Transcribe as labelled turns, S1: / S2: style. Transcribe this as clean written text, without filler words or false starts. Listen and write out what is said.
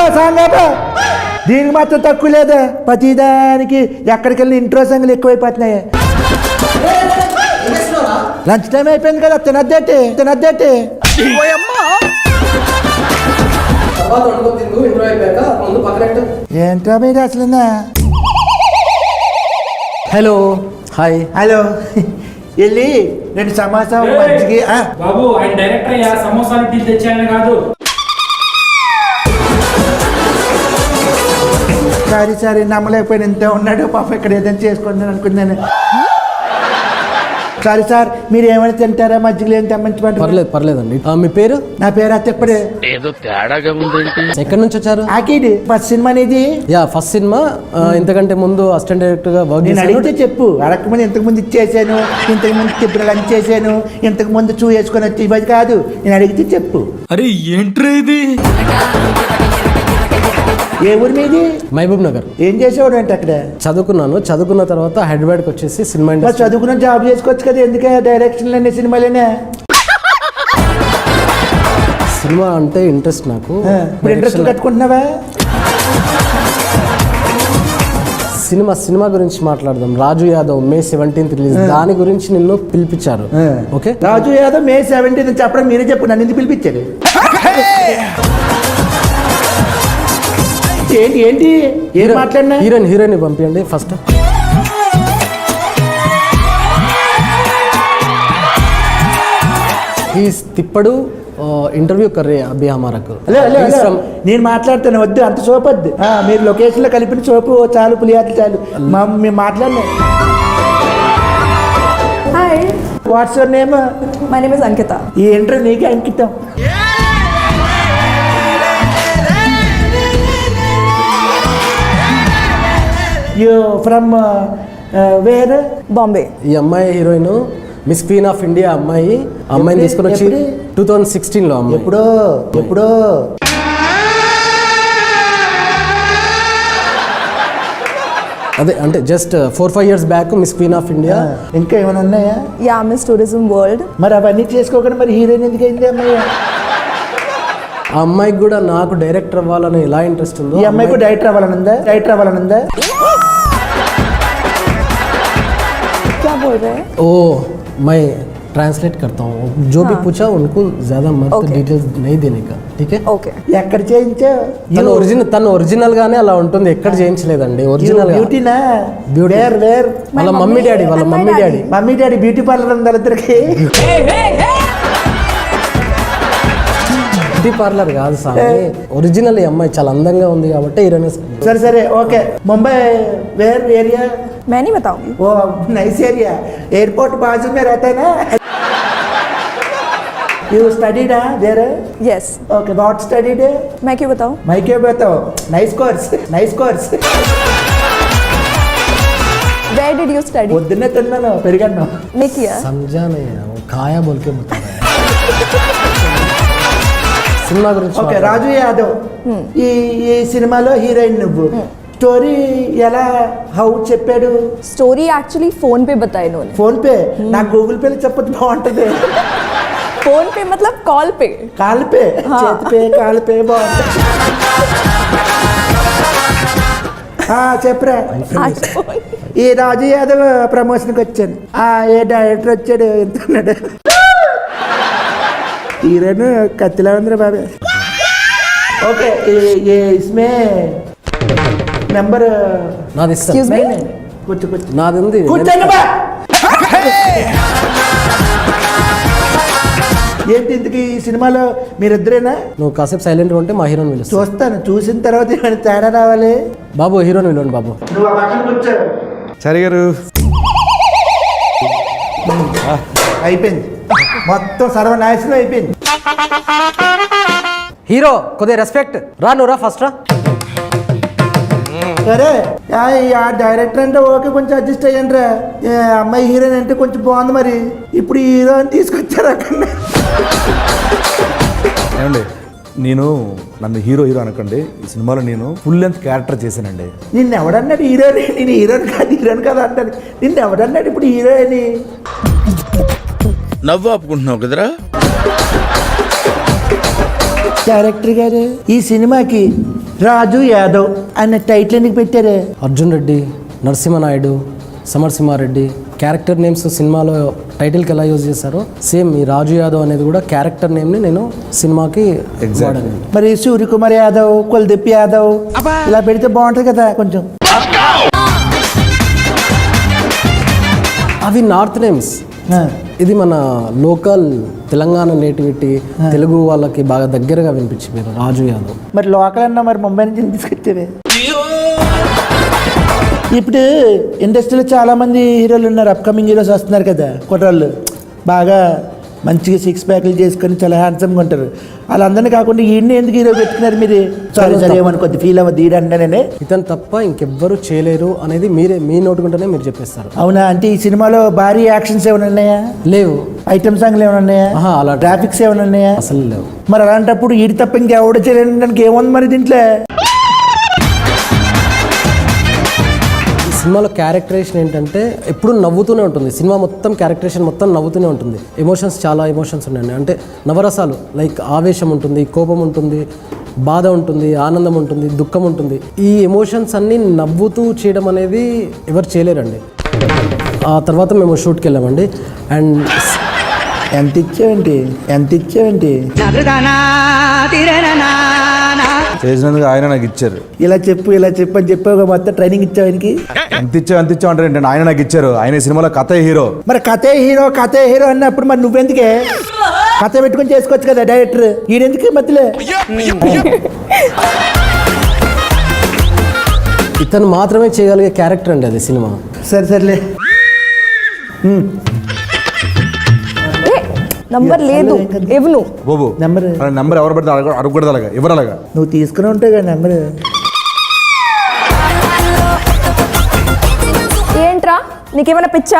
S1: Song ఆపా. దీనికి మాత్రం తక్కువ లేదా, ప్రతిదానికి ఎక్కడికి వెళ్ళిన ఇంట్రో సాంగ్లు ఎక్కువైపోతున్నాయి. లంచ్ టైం అయిపోయింది కదా, తినద్దేటి. ఏంట్రా మీరు అసలు?
S2: Hello, hi.
S1: హలో, వెళ్ళి 2 సమోసా మజ్జిగి.
S3: బాబు ఆయన డైరెక్టర్ అయ్యా, సమోసాలు టీ తెచ్చాయని కాదు.
S1: సారీ నమ్మలేకపోయిన ఇంత ఉన్నాడు పాప, ఇక్కడ ఏదైనా చేసుకుందాం అనుకున్నాను. సారీ సార్, మీరు ఏమైనా తింటారా? మజ్జిగలు ఏం తెమ్మంచమంటారు?
S2: పర్లేదండి. మీ పేరు?
S1: నా పేరు అత్తప్పుడే.
S4: ఏదో తేడాగా ఉందండి.
S2: ఎక్కడి నుంచి వచ్చారు?
S1: ఆకిడ్. ఫస్ట్ సినిమా అనేది.
S2: ఫస్ట్ సినిమా. ఇంతకంటే ముందు అసిస్టెంట్ డైరెక్టర్ గా వర్క్
S1: నేను అడిగితే చెప్పు. అడగకముందు ఇంతకు ముందు ఇచ్చేసాను, ఇంతకు ముందు ఇప్పుడు లంచ్ చేశాను, ఇంతకు ముందు చూ వేసుకొని వచ్చి ఇవ్వదు కాదు. నేను అడిగితే చెప్పు.
S4: అరే ఏంట్రా ఇది?
S1: ఏ ఊరి మీది?
S2: మహబూబ్ నగర్.
S1: ఏం చేసేవాడు అంటే అక్కడ?
S2: చదువుకున్న తర్వాత హైదరాబాద్కి వచ్చేసి సినిమా ఇండస్ట్రీ.
S1: చదువుకున్న జాబ్ చేసుకోవచ్చు కదా, ఎందుకే డైరెక్షన్లోనే సినిమాలేనే?
S2: సినిమా అంటే ఇంట్రెస్ట్ నాకు.
S1: ఇప్పుడు ఇంట్రెస్ట్ కట్టుకుంటున్నావా?
S2: సినిమా గురించి మాట్లాడదాం. రాజు యాదవ్ May 17th రిలీజ్, దాని గురించి నిన్ను పిలిపించారు. ఓకే,
S1: రాజు యాదవ్ May 17th చెప్పడం మీరే చెప్పు, నన్ను ఎందుకు పిలిపించారు? ఏంటి ఏం మాట్లాడినా?
S2: హీరోయిన్ పంపించండి ఫస్ట్. తిప్పడు ఇంటర్వ్యూ కర్రే అభి హమారకు.
S1: నేను మాట్లాడుతాను, వద్దు అంత సోపు వద్దు. మీరు లొకేషన్ లో కలిపిన సోపు చాలు, పులియాట్లు చాలు. మేము మాట్లాడినా.
S5: Hi,
S1: what's your name?
S5: My name is Ankita.
S1: ఈ ఇంటర్వ్యూ నీకే అంకితం. You from where?
S5: బాంబే.
S2: ఈ అమ్మాయి heroine, miss queen of India అమ్మాయిని తీసుకొని వచ్చి 2016లో.
S1: ఎప్పుడో
S2: అదే అంటే just 4-5 years back miss queen of India.
S1: ఇంకా ఏమైనా ఉన్నాయా?
S5: Yeah, miss tourism world.
S1: మరి అవన్నీ చేసుకోకుండా మరి హీరోయిన్ ఎందుకు అయింది అమ్మాయి?
S2: ఆ అమ్మాయికి కూడా నాకు డైరెక్టర్ అవ్వాలని ఎలా ఇంట్రెస్ట్ ఉందో,
S1: ఈ అమ్మాయికి డైరెక్టర్ అవ్వాలనుందా?
S5: क्या बोल रहे हैं?
S2: ओ मैं ट्रांसलेट करता हूँ, जो भी पूछा उनको ज्यादा मत डिटेल्स नहीं देने का, ठीक है?
S5: ఓకే.
S1: ఎక్కడ చేయించావు?
S2: తను ఒరిజినల్ గానే అలా ఉంటుంది, ఎక్కడ చేయించలేదండి. ఒరిజినల్
S1: బ్యూటీనా?
S2: బ్యూటీ.
S1: వేర్
S2: వాళ్ళ మమ్మీ డాడీ
S1: బ్యూటీ పార్లర్ ఉంది వాళ్ళిద్దరికి.
S2: బ్యూటీ పార్లర్ కాదు సార్, ఒరిజినల్. ఈ అమ్మాయి చాలా అందంగా ఉంది కాబట్టి హీరోయిన్.
S1: సరే ఓకే. Mumbai where area?
S5: मैं नहीं बताऊंगी.
S1: ओ नाइस एरिया, एयरपोर्ट बाजू में रहता है ना. You studied there?
S5: Yes.
S1: Okay, what studied?
S5: मैं क्यों बताऊं?
S1: मैं क्यों बताऊं? Nice course.
S5: Where did you study?
S1: పొద్దున్నే తిన్నాను, పెరిగాను.
S5: नहीं किया.
S2: समझा नहीं है, वो खाया बोल के बता रहा है. సినిమా గురించి.
S1: ఓకే, రాజు యాదవ్ ఈ సినిమాలో హీరోయిన్ నువ్వు. స్టోరీ ఎలా హౌ చెప్పాడు?
S5: स्टोरी एक्चुअली फोन पे बताया इन्होंने.
S1: Phone pay? నాకు గూగుల్ పేలో చెప్పొచ్చు, బాగుంటది.
S5: फोन पे मतलब कॉल पे.
S1: కాల్ పే, కాల్ పే బాగుంటుంది. చెప్పరా. ఈ రాజు యాదవ్ ప్రమోషన్కి వచ్చాను. ఏ డైరెక్టర్ వచ్చాడు, ఎంతున్నాడు? హీరోయిన్ కత్తిలా ఉందిరా బాబే. ఓకే, ఇస్మే నెంబర్
S2: నాది.
S5: Excuse me?
S1: కూర్చో.
S2: నాది ఉంది.
S1: కూర్చోండి బా. ఏంటి ఇంతకీ ఈ సినిమాలో మీరిద్దరేనా?
S2: నువ్వు కాసేపు సైలెంట్గా ఉంటే మా హీరోని పిలుస్తా.
S1: చూస్తాను, చూసిన తర్వాత ఏమైనా తేడా రావాలి.
S2: బాబు హీరోని పిలవండి బాబు.
S1: నువ్వు ఆ పక్కన కూర్చో.
S6: సరే గారు,
S1: అయిపోయింది మొత్తం, సర్వనాశనం అయిపోయింది.
S2: హీరో కొద్దిగా రెస్పెక్ట్. నువ్వు రా ఫస్ట్ రా.
S1: సరే, ఆ డైరెక్టర్ అంటే ఓకే, కొంచెం అడ్జస్ట్ అయ్యండి రా. అమ్మాయి హీరోయిన్ అంటే కొంచెం బాగుంది, మరి ఇప్పుడు హీరో అని తీసుకొచ్చారు అక్కడ.
S6: ఏమండి, నన్ను హీరో అనకండి. ఈ సినిమాలో నేను ఫుల్ లెంత్ క్యారెక్టర్ చేశానండి.
S1: నిన్ను ఎవడన్నాడు హీరోయిన్? నేను హీరోయిన్ కాదు అంటాను. నిన్ను ఎవడన్నాడు ఇప్పుడు హీరోయిన్?
S4: నవ్వు ఆపుకుంటున్నావు కదరా.
S1: డైరెక్టర్ గారు, ఈ సినిమాకి రాజు యాదవ్ అనే టైటిల్ ఎందుకు పెట్టారే?
S2: అర్జున్ రెడ్డి, నరసింహనాయుడు, సమరసింహారెడ్డి క్యారెక్టర్ నేమ్స్ సినిమాలో టైటిల్కి ఎలా యూజ్ చేశారో సేమ్ ఈ రాజు యాదవ్ అనేది కూడా క్యారెక్టర్ నేమ్ని నేను సినిమాకి వాడాను.
S1: మరి సూర్యకుమార్ యాదవ్, కుల్దీప్ యాదవ్ ఇలా పెడితే బాగుంటుంది కదా కొంచెం.
S2: అవి నార్త్ నేమ్స్,
S1: ఆ,
S2: ఇది మన లోకల్ తెలంగాణ నేటివిటీ, తెలుగు వాళ్ళకి బాగా దగ్గరగా వినిపించి మీరు రాజు యాదవ్.
S1: మరి లోకల్ అన్నా మరి ముంబై నుంచి తీసుకొచ్చేవే. ఇప్పుడు ఇండస్ట్రీలో చాలా మంది హీరోలు ఉన్నారు, అప్కమింగ్ హీరోస్ వస్తున్నారు కదా కుర్రాళ్ళు, బాగా మంచిగా సిక్స్ ప్యాక్లు చేసుకొని చాలా హ్యాండ్సమ్గా ఉంటారు. వాళ్ళందరినీ కాకుండా ఈయన్ని ఎందుకు హీరో పెట్టుకున్నారు మీరు? సారీ సరే ఏమనుకోద్ది, ఫీల్ అవ్వద్దు, ఈడంటే
S2: ఇతను తప్ప ఇంకెవ్వరు చేయలేరు అనేది మీ నోటుకుంటేనే మీరు చెప్పేస్తారు.
S1: అవునా? అంటే ఈ సినిమాలో భారీ యాక్షన్స్ ఏమైనా ఉన్నాయా?
S2: లేవు.
S1: ఐటమ్ సాంగ్లు ఏమైనా ఉన్నాయా?
S2: అలా
S1: గ్రాఫిక్స్ ఏమైనా ఉన్నాయా?
S2: అసలు లేవు.
S1: మరి అలాంటప్పుడు ఈడి తప్ప ఇంకెవడ చేయడానికి ఏముంది మరి దీంట్లో?
S2: సినిమాలో క్యారెక్టరేషన్ ఏంటంటే ఎప్పుడు నవ్వుతూనే ఉంటుంది. సినిమా మొత్తం క్యారెక్టరేషన్ మొత్తం నవ్వుతూనే ఉంటుంది. ఎమోషన్స్ చాలా ఎమోషన్స్ ఉన్నాయండి. అంటే నవరసాలు, లైక్ ఆవేశం ఉంటుంది, కోపం ఉంటుంది, బాధ ఉంటుంది, ఆనందం ఉంటుంది, దుఃఖం ఉంటుంది. ఈ ఎమోషన్స్ అన్నీ నవ్వుతూ చేయడం అనేది ఎవరు చేయలేరండి. ఆ తర్వాత మేము షూట్కి వెళ్ళామండి. అండ్
S1: ఎంత ఇచ్చావేంటి?
S6: చేసినందుకు ఆయన నాకు ఇచ్చారు.
S1: ఇలా చెప్పు అని చెప్పావు మొత్తం ట్రైనింగ్ ఇచ్చావానికి.
S6: ఎంత ఇచ్చావు అంటారు ఏంటంటే ఆయన నాకు ఇచ్చారు. ఆయన సినిమాలో కథ హీరో.
S1: మరి కథే హీరో అన్నప్పుడు మరి నువ్వెందుకే కథ పెట్టుకొని చేసుకోవచ్చు కదా డైరెక్టర్, ఈడెందుకే మధ్యలో?
S2: ఇతను మాత్రమే చేయగలిగే క్యారెక్టర్ అండి అది సినిమా.
S1: సర్లే.
S5: నంబర్ లేదు ఇవ్వను.
S6: బాబు నెంబర్ ఎవరు పెడితే అడగకూడదు, అలాగా ఎవరు అలాగా
S1: నువ్వు తీసుకుని ఉంటావు కదా నెంబర్.
S5: ఏంట్రా నీకేమైనా పిచ్చా?